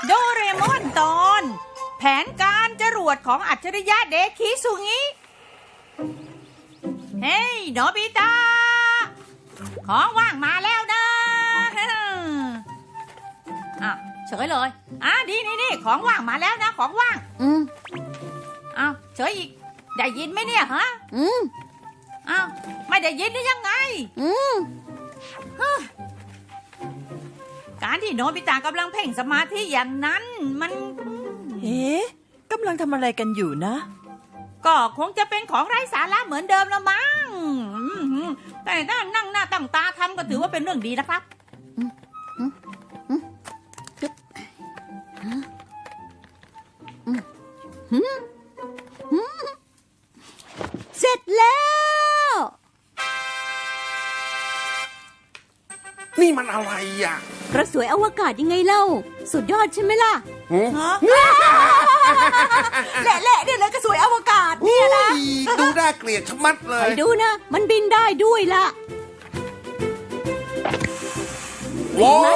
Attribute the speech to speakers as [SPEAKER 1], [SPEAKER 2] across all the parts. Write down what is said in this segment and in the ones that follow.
[SPEAKER 1] โดเรมอนตอน แผนการจรวดของอัจฉริยะเดคิสุงิเฮ้ยโนบิตะของว่างมาแล้วนะอ่ะเฉยเลยดีนี่ของว่างมาแล้วนะของว่างเฉยอีกได้ยินไหมเนี่ยฮะไม่ได้ยินหรือยังไงการที่โนบิตะกำลังเพ่งสมาธิอย่างนั้นมัน
[SPEAKER 2] กำลังทำอะไรกันอยู่นะ
[SPEAKER 1] ก็คงจะเป็นของไร้สาระเหมือนเดิมละมั้งแต่ถ้านั่งหน้าตั้งตาทำก็ถือว่าเป็นเรื่องดีนะครับ
[SPEAKER 3] เสร็จแล้ว
[SPEAKER 4] นี่มันอะไรอ่ะ
[SPEAKER 3] กระสวยอวกาศยังไงเล่าสุดยอดใช่ไหมล่ะ
[SPEAKER 2] แหละเนี่ยเลยกระสวยอวกาศเนี่ยนะ
[SPEAKER 4] ดูน่าเกลียดชะมัดเลย
[SPEAKER 3] ไปดูนะมันบินได้ด้วยล่ะ
[SPEAKER 4] ว้าว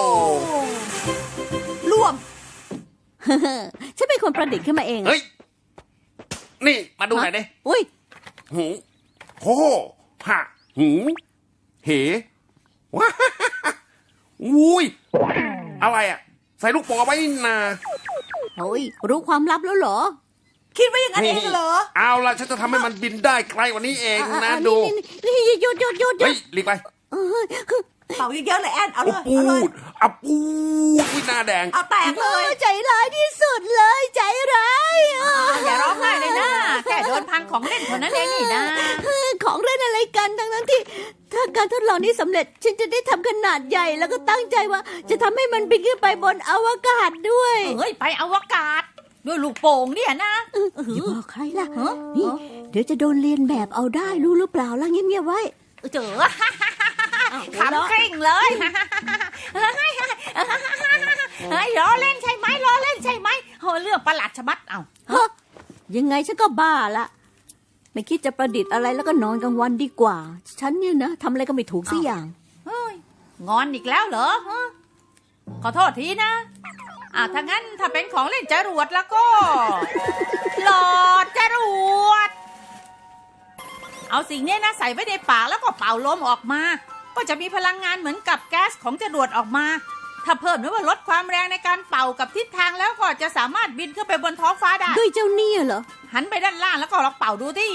[SPEAKER 2] ร่วม
[SPEAKER 3] ฉันเป็นคนประดิษฐ์ขึ้นมาเอง
[SPEAKER 4] เฮ้ยนี่มาดูหน่อยดิ
[SPEAKER 3] อุ้ย
[SPEAKER 4] หูโหหะหูเหว้าอุ้ยอะไรอ่ะใส่ลูกโป่งเอาไว้นา
[SPEAKER 3] โอ้ยรู้ความลับแล้วเหรอ
[SPEAKER 2] คิดว่าอย่างนั้นเองเหรอ
[SPEAKER 4] เอาล่ะฉันจะทำให้มันบินได้ไกลกว่านี้เองนะดู
[SPEAKER 3] นี่หยุด
[SPEAKER 4] เฮ้ยหลีกไป
[SPEAKER 2] เป่าเยอะๆเลยแอนเอาเลย
[SPEAKER 4] ปูดวิหน้าแดง
[SPEAKER 2] เอาแตกเลย
[SPEAKER 3] ใจร้ายที่สุดเลยใจร้าย
[SPEAKER 1] อย่าร้องไห้เลยนะแค่โดนพังของเล่นเท่านั้นเองนี่นะ
[SPEAKER 3] ของเล่นอะไรกันทั้งที่ถ้าการทดลองนี้สำเร็จฉันจะได้ทำขนาดใหญ่แล้วก็ตั้งใจว่าจะทำให้มันบินขึ้นไปบนอวกาศด้วย
[SPEAKER 1] เฮ้ยไปอวกาศด้วยลูกโป่งเนี่ยนะ
[SPEAKER 3] อย่าบอกใครล่ะนี่เดี๋ยวจะโดนเรียนแบบเอาได้รู้หรือเปล่าล่ะเงียบๆไว้
[SPEAKER 1] เจอขำกริ่งเลยเฮ้ยล้อเล่นใช่ไหมล้อเล่นใช่ไหมเรื่องประหลาดชะมัด
[SPEAKER 3] ยังไงฉันก็บ้าละไม่คิดจะประดิษฐ์อะไรแล้วก็นอนกลางวันดีกว่าฉันเนี่ยนะทำอะไรก็ไม่ถูกสักอย่าง
[SPEAKER 1] งอนอีกแล้วเหรอขอโทษทีนะถ้างั้นถ้าเป็นของเล่นจรวดแล้วก็หลอดจรวดเอาสิ่งนี้นะใส่ไว้ในปากแล้วก็เป่าลมออกมาก็จะมีพลังงานเหมือนกับแก๊สของจรวดออกมาถ้าเพิ่มหรือว่าลดความแรงในการเป่ากับทิศทางแล้วก็จะสามารถบินขึ้นไปบนท้องฟ้าได้
[SPEAKER 3] ด้วยเจ้านี่เหรอ
[SPEAKER 1] หันไปด้านล่างแล้วก็ลองเป่าดูที่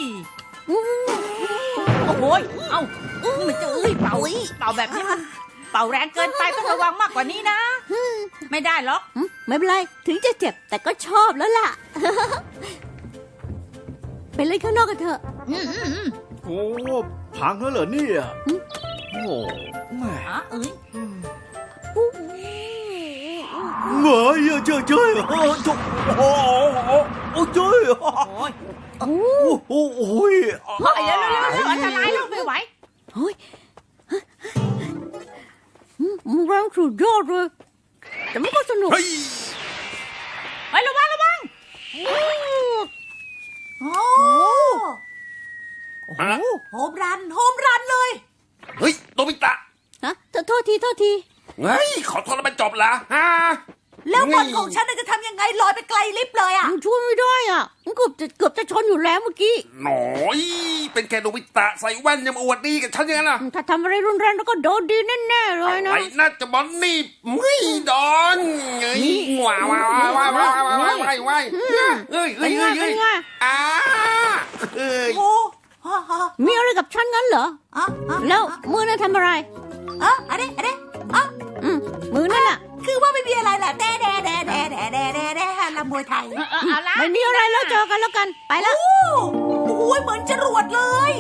[SPEAKER 1] โอ้โหมันจะเป่าแบบนี้เป่าแรงเกินไปต้องระวังมากกว่านี้นะไม่ได้หรอก
[SPEAKER 3] ไม่เป็นไรถึงจะเจ็บแต่ก็ชอบแล้วล่ะไปเล่นข้างนอกกันเถอะ
[SPEAKER 5] โอ้พังแล้วเหรอเนี่ยโอ้แม่เฮ้ยเจ้ยโอ้โหเจ้ยโอ้ย
[SPEAKER 1] อันตรายแล้วไม่ไหว
[SPEAKER 3] เฮ้ยมันแรงสุดยอดเลยแต่มันก็สนุก
[SPEAKER 1] เฮ้ยระวัง
[SPEAKER 2] โฮมรันเลย
[SPEAKER 4] เฮ้ยโนบิตะ
[SPEAKER 3] ฮะโทษที
[SPEAKER 4] เฮ้ยขอโทษแล้วมันจบละ
[SPEAKER 2] แล้วบอลของฉันจะทำยังไงลอยไปไกลลิบเลย
[SPEAKER 3] ช่วยไม่ได้มันเกือบจะชนอยู่แล้วเมื่อกี้
[SPEAKER 4] หน่อยเป็นแค่โนบิตะใส่แว่นยังมาอวดดีกับฉันอย่างนั้นล่ะ
[SPEAKER 3] ถ้าทำอะไรรุนแรงแล้วก็โดนดีแน่ๆเลยนะ
[SPEAKER 4] ไอ้น่าจะบอลนี่ไม่โดนเฮ้ยว้าวเฮ้ย
[SPEAKER 3] มีอะไรกับฉันงั้นเหรอแล้วมือนั่นทำอะไร
[SPEAKER 2] อันนี้
[SPEAKER 3] มือนั่น
[SPEAKER 2] คือว่าไม่มีอะไรแหละแด่ลำมวยไทย
[SPEAKER 3] ไม่มีอะไรแล้วเจอกันแล้วกันไปแล้ว
[SPEAKER 2] โอ้โหเหมือนจรวดเลย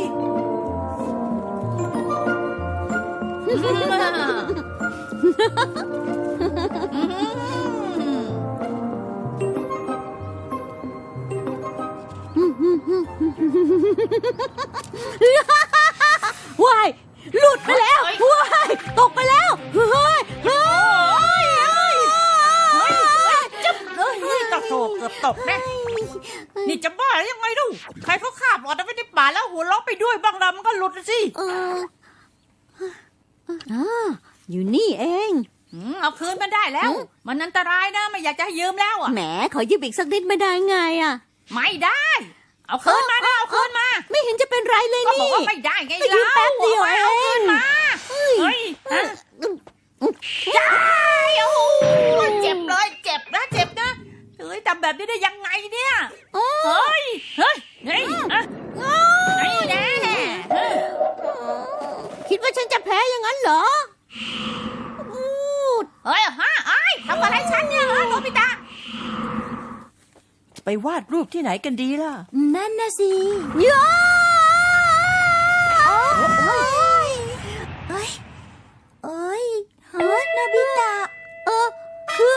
[SPEAKER 3] ว้ายหลุดไปแล้วว้ายตกไปแล้วเฮ้ย
[SPEAKER 1] เกือบตกแน่นี่จะบ้ายังไงดูใครเขาคาบหลอดเอาไว้ในป่าแล้วหัวเราะไปด้วยบางลำมันก็หลุดสิ
[SPEAKER 3] อยู่นี่เอง
[SPEAKER 1] เอาคืนมันได้แล้ว มันอันตรายนะไม่อยากจะให้ยืมแล้วอ่ะ
[SPEAKER 3] แหมขอยืมอีกสักนิดไม่ได้ไงอ่ะ
[SPEAKER 1] ไม่ได้ เอาคืนมานะเอาคืนมา
[SPEAKER 3] ไม่เห็นจะเป็นไรเลย
[SPEAKER 1] ก็บอก
[SPEAKER 3] นี่
[SPEAKER 1] ว่าไม่ได้ไง
[SPEAKER 3] ก็ยืมแป๊บเดียว
[SPEAKER 1] เอาคืนมา
[SPEAKER 3] เฮ้ย
[SPEAKER 1] เฮ้ยฮะจ้าโอ้โหเจ็บเลยเจ็บนะเจ็บนะเฮ้ยทำแบบนี้ได้ยังไงเนี่ยเฮ้ยเฮ้ยเฮ้ยนี่แน่
[SPEAKER 3] คิดว่าฉันจะแพ้อย่างนั้นเหรออู้
[SPEAKER 1] เฮ้ยฮะไอ้ทำอะไรฉันเนี่ยฮะโนบิตะ
[SPEAKER 2] ไปวาดรูปที่ไหนกันดีล่ะ
[SPEAKER 3] นั่นนะสิย้าเอ้ยเอ้ยฮะนาบิตะคือ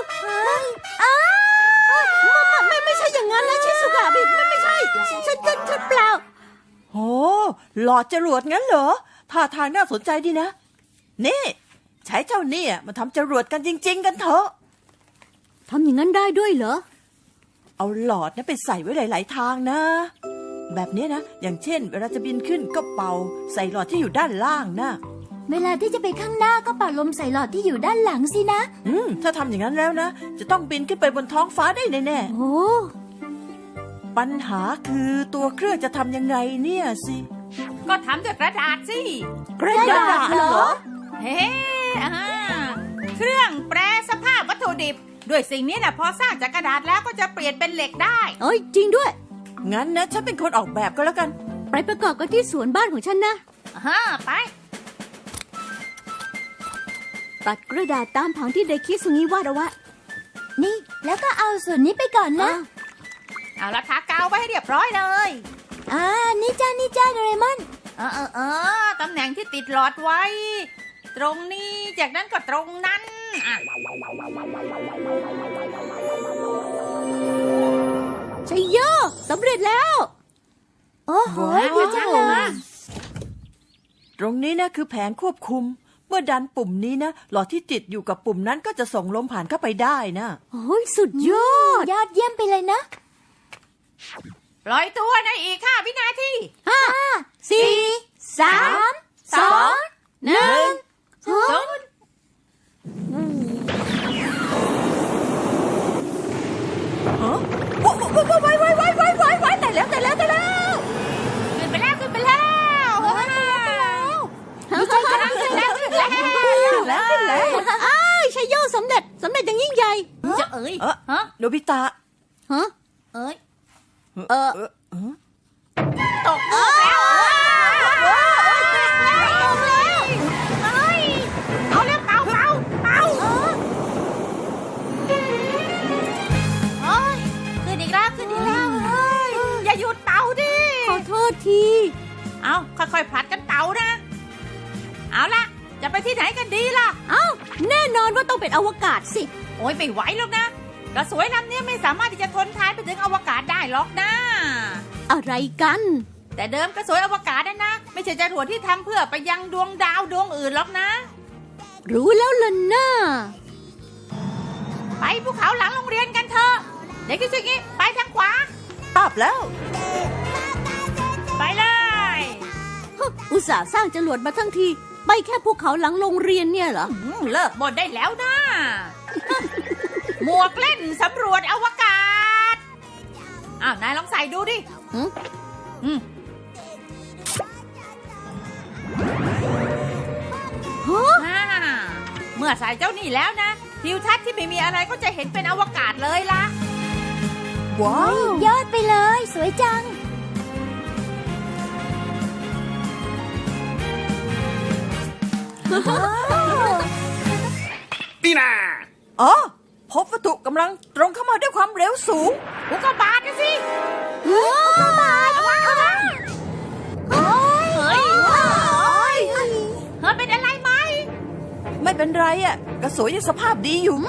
[SPEAKER 3] ไม่ใช่อย่างนั้นนะชิสุกะไม่ใช่ฉันเปล่า
[SPEAKER 2] โหหลอดจรวดงั้นเหรอท่าทางน่าสนใจดีนะ นี่ ใช้เจ้าเนี่ยมาทำจรวดกันจริง ๆ กันเถอะ
[SPEAKER 3] ทำอย่างนั้นได้ด้วยเหรอ
[SPEAKER 2] เอาหลอดนะไปใส่ไว้หลาย ๆ ทางนะ แบบนี้นะ อย่างเช่น เวลาจะบินขึ้นก็เป่าใส่หลอดที่อยู่ด้านล่างนะ
[SPEAKER 3] เวลาที่จะไปข้างหน้าก็เป่าลมใส่หลอดที่อยู่ด้านหลังสินะ
[SPEAKER 2] ถ้าทำอย่างนั้นแล้วนะ จะต้องบินขึ้นไปบนท้องฟ้าได้แน่
[SPEAKER 3] โอ้
[SPEAKER 2] ๆปัญหาคือตัวเครื่องจะทำยังไงเนี่ยสิ
[SPEAKER 1] ก็ทำด้วยกระดาษสิ
[SPEAKER 2] กระดาษเหรอ
[SPEAKER 1] เฮ้เครื่องแปรสภาพวัตถุดิบ ด้วยสิ่งนี้นะพอสร้างจากกระดาษแล้วก็จะเปลี่ยนเป็นเหล็กได้
[SPEAKER 3] เอ้ยจริงด้วย
[SPEAKER 2] งั้นนะฉันเป็นคนออกแบบก็แล้วกัน
[SPEAKER 3] ไปประกอบกันที่สวนบ้านของฉันนะ
[SPEAKER 1] ไป
[SPEAKER 3] ตัดกระดาษตามผังที่เด็กคิดสุงี้วาดเอาไว้นี่แล้วก็เอาส่วนนี้ไปก่อนนะ
[SPEAKER 1] เอาละทากาวไว้ให้เรียบร้อยเลย
[SPEAKER 3] นี่จ้าโดเรมอน
[SPEAKER 1] ตำแหน่งที่ติดหลอดไว้ ตรงนี้จากนั้นก็ตรงนั้นอ่ะ
[SPEAKER 3] ชัยโยสำเร็จแล้ว โอ้โห
[SPEAKER 2] ว้าว
[SPEAKER 3] ดีจังเลย
[SPEAKER 2] ตรงนี้นะคือแผงควบคุม เมื่อดันปุ่มนี้นะหลอดที่ติดอยู่กับปุ่มนั้นก็จะส่งลมผ่านเข้าไปได้นะ
[SPEAKER 3] โอ้ยสุดยอด ยอดเยี่ยมไปเลยนะ
[SPEAKER 1] ปล่อยตัวในอีก5 วินาที
[SPEAKER 3] 4 3 2 1
[SPEAKER 2] ไว้แต่แล้ว
[SPEAKER 1] ขึ้นไปแล้วขึ้นไปแล้วขึ้นไปแล้ว
[SPEAKER 3] อ้าวชัยโยสำเร็จอย่างยิ่งใหญ่
[SPEAKER 1] จะเอ้ย
[SPEAKER 2] โนบิตะ
[SPEAKER 3] ฮะ
[SPEAKER 1] เอ้ย
[SPEAKER 2] เออ
[SPEAKER 1] ตกลูกแล้วเอาแล้วเป่าขึ้นอีกแล้วอย่าหยุดเป่าดิ
[SPEAKER 3] ขอโทษที
[SPEAKER 1] เอาค่อยๆผลัดกันเป่านะ เอาละจะไปที่ไหนกันดีล่ะ
[SPEAKER 3] เอ้าแน่นอนว่าต้องเป็นอวกาศสิ
[SPEAKER 1] โอ้ยไม่ไหวหรอกนะกระสวยลำนี้ไม่สามารถที่จะทนทานไปถึงอวกาศได้หรอกนะ
[SPEAKER 3] อะไรกัน
[SPEAKER 1] แต่เดิมกระสวยอวกาศนั่นนะไม่ใช่จรวดที่ทำเพื่อไปยังดวงดาวดวงอื่นหรอกนะ
[SPEAKER 3] รู้แล้วล่ะน่า
[SPEAKER 1] ไปภูเขาหลังโรงเรียนกันเถอะเด็กที่สุดงี้ไปทางขวา
[SPEAKER 2] ตอบแล้ว
[SPEAKER 1] ไปเลย
[SPEAKER 3] อุตส่าห์สร้างจรวดมาทั้งที ไปแค่ภูเขาหลังโรงเรียนเนี่ยเหรอ
[SPEAKER 1] เลิกบ่นได้แล้วนะ หมวกเล่นสำรวจอวกาศอ้าวนายลองใส่ดูดิ เมื่อใส่เจ้านี่แล้วนะทิวทัศน์ที่ไม่มีอะไรก็จะเห็นเป็นอวกาศเลยล่ะ
[SPEAKER 2] ว้าว
[SPEAKER 3] ยอดไปเลย สวยจัง
[SPEAKER 4] นี่นา
[SPEAKER 2] อ๋อพบวัตถุกำลังตรงเข้ามาด้วยความเร็วสูง
[SPEAKER 1] อุกกาบาตนะสิ
[SPEAKER 3] โอ้บาทโอ้ย
[SPEAKER 1] เฮ้ยเป็นอะไรไหม
[SPEAKER 2] ไม่เป็นไรอ่ะกระสวยยังสภาพดีอยู่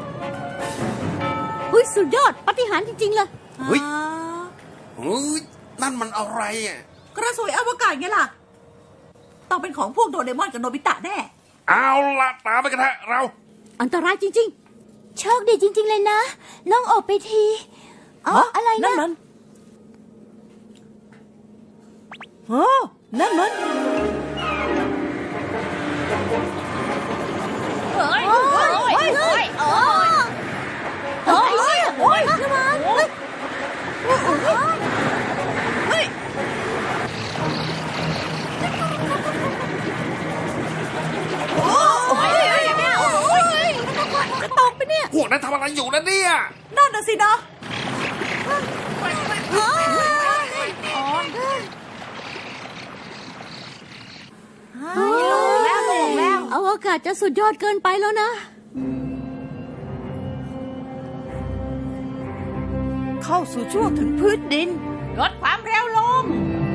[SPEAKER 3] อุ้ยสุดยอดปาฏิหาริย์จริงๆเลย
[SPEAKER 4] เฮ้ยนั่นมันอะไรอ่ะ
[SPEAKER 2] กระสวยอวกาศไงล่ะ ต้องเป็นของพวกโดเรมอนกับโนบิตะแน่
[SPEAKER 4] เอาละตามไปกันเถอะเรา
[SPEAKER 3] อันตรายจริงๆ โชคดีจริงๆเลยนะล่องออกไปทีอะไรนะ
[SPEAKER 2] นั่นมันนั่นมัน
[SPEAKER 1] เฮ้ย
[SPEAKER 4] นั้นทำอะไรอยู่นะเนี่ย
[SPEAKER 2] นั่นน่ะสินะ
[SPEAKER 3] อวกาศจะสุดยอดเกินไปแล้วนะ
[SPEAKER 2] เข้าสู่ช่วงถึงพื้นดิน
[SPEAKER 1] ลดความเร็วลง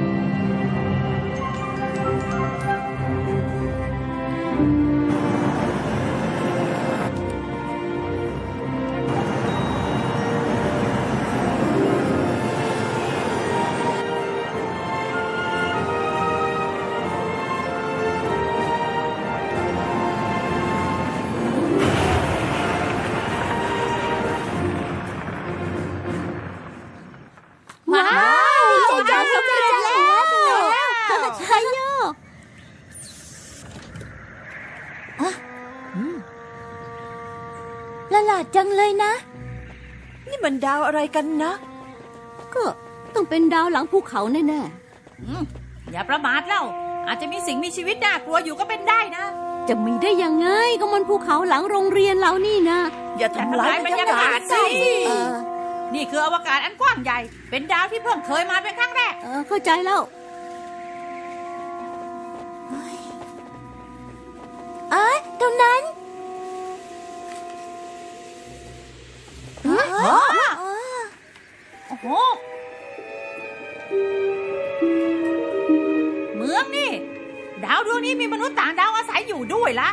[SPEAKER 3] ว้าวใจจอยสำเร็จแล้วใช่โยละหลาดจังเลยนะ
[SPEAKER 2] นี่มันดาวอะไรกันนะ
[SPEAKER 3] ก็ต้องเป็นดาวหลังภูเขาแน่
[SPEAKER 1] อย่าประมาทเล่า อาจจะมีสิ่งมีชีวิตน่ากลัวอยู่ก็เป็นได้นะ
[SPEAKER 3] ๆจะมีได้ยังไงก็มันภูเขาหลังโรงเรียนเรานี่นะ
[SPEAKER 2] อย่าทำร้ายบรรยากาศสิ
[SPEAKER 3] เออ
[SPEAKER 1] นี่คืออวกาศอันกว้างใหญ่ เป็นดาวที่เพิ่งเคยมาเป็นครั้งแรก
[SPEAKER 3] เข้าใจแล้วตรงนั้น
[SPEAKER 1] โอ้โห เมืองนี่ ดาวดวงนี้มีมนุษย์ต่างดาวอาศัยอยู่ด้วยละ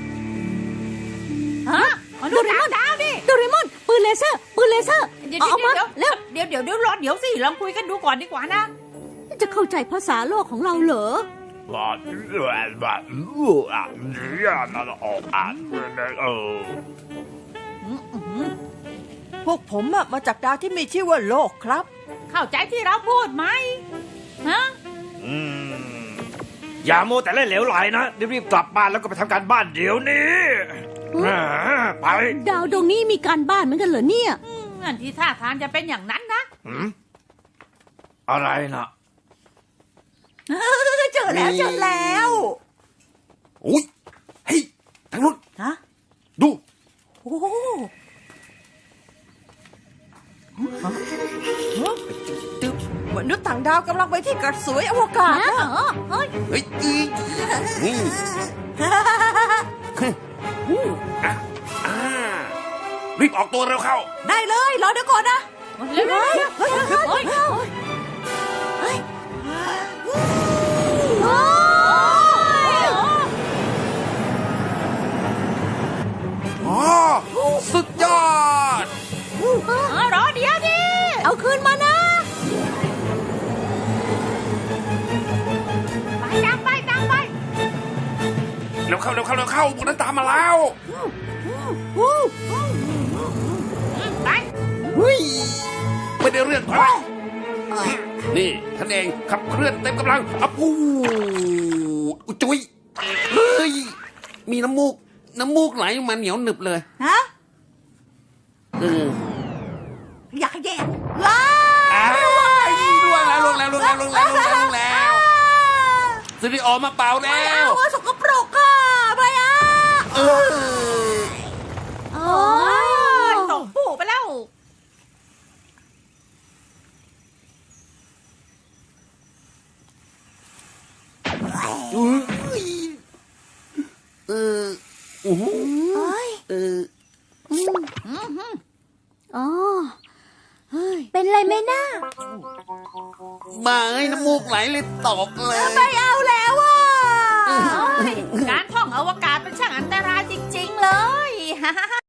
[SPEAKER 1] ฮะมนุษย์ต่างดาวดิ
[SPEAKER 3] โดเรมอนปืนเลเซอร์
[SPEAKER 1] เดี๋ยว
[SPEAKER 3] เอามา
[SPEAKER 1] เดี๋ยว
[SPEAKER 3] เร็ว
[SPEAKER 1] เดี๋ยวรอเดี๋ยวสิลองคุยกันดูก่อนดีกว่านะ
[SPEAKER 3] จะเข้าใจภาษาโลกของเราเหรอ
[SPEAKER 2] พวกผมอะมาจากดาวที่มีชื่อว่าโลกครับ
[SPEAKER 1] เข้าใจที่เราพูดไหมฮะ
[SPEAKER 5] อย่าโมวแต่เล่นเหลวไหลนะรีบๆกลับบ้านแล้วก็ไปทำการบ้านเดี๋ยวนี้ไป
[SPEAKER 3] ดาวดวงนี้มีการบ้านเหมือนกันเหรอเนี่ย
[SPEAKER 1] นั่นที่ท่าทางจะเป็นอย่างนั้นนะ
[SPEAKER 5] อะไรนะ
[SPEAKER 2] เจอแล้ว
[SPEAKER 4] อุ้ยเฮ้ยทางนู้น
[SPEAKER 2] ฮะ
[SPEAKER 4] ดู
[SPEAKER 2] โอ้มนุษย์ต่างดาวกำลังไปที่กระสวยอวกาศนะ
[SPEAKER 4] เฮ้ยนี่รีบออกตัวเร็วเข้า
[SPEAKER 2] ได้เลยรอเดี๋ยวก่อนนะ
[SPEAKER 1] เร็วๆเฮ้ย
[SPEAKER 4] อ๋อ สุดยอด
[SPEAKER 1] รอเดี๋ยวดิ
[SPEAKER 3] เอาคืนมานะ
[SPEAKER 1] ไปตามไป
[SPEAKER 4] เร็วเข้าพวกนั้นตามมาแล้ว
[SPEAKER 1] ไป
[SPEAKER 4] ไม่ได้เรื่องไปนี่ท่านเองขับเคลื่อนเต็มกำลังอะปูจุ้ยเฮ้ย มีน้ำมูกไหลมาเหนียวหนึบเลย
[SPEAKER 2] ฮะ
[SPEAKER 4] เออ
[SPEAKER 2] อยากแย่ว้า
[SPEAKER 4] ล่วงแล้วสตูดิโอมาเป่าแล้ว
[SPEAKER 2] วสกปรกค่ะไปอ่ะ
[SPEAKER 1] โอ้ยตกปู่ไปแล้ว
[SPEAKER 3] อ๋อ เฮ้ย เป็นไรไหมนะ
[SPEAKER 4] มาให้น้ำมูกไหลเลยตกเลย
[SPEAKER 2] ไม่เอาแล้วอ่ะ
[SPEAKER 1] การท่องอวกาศเป็นช่างอันตรายจริงๆเลยฮ่าฮ่าฮ่า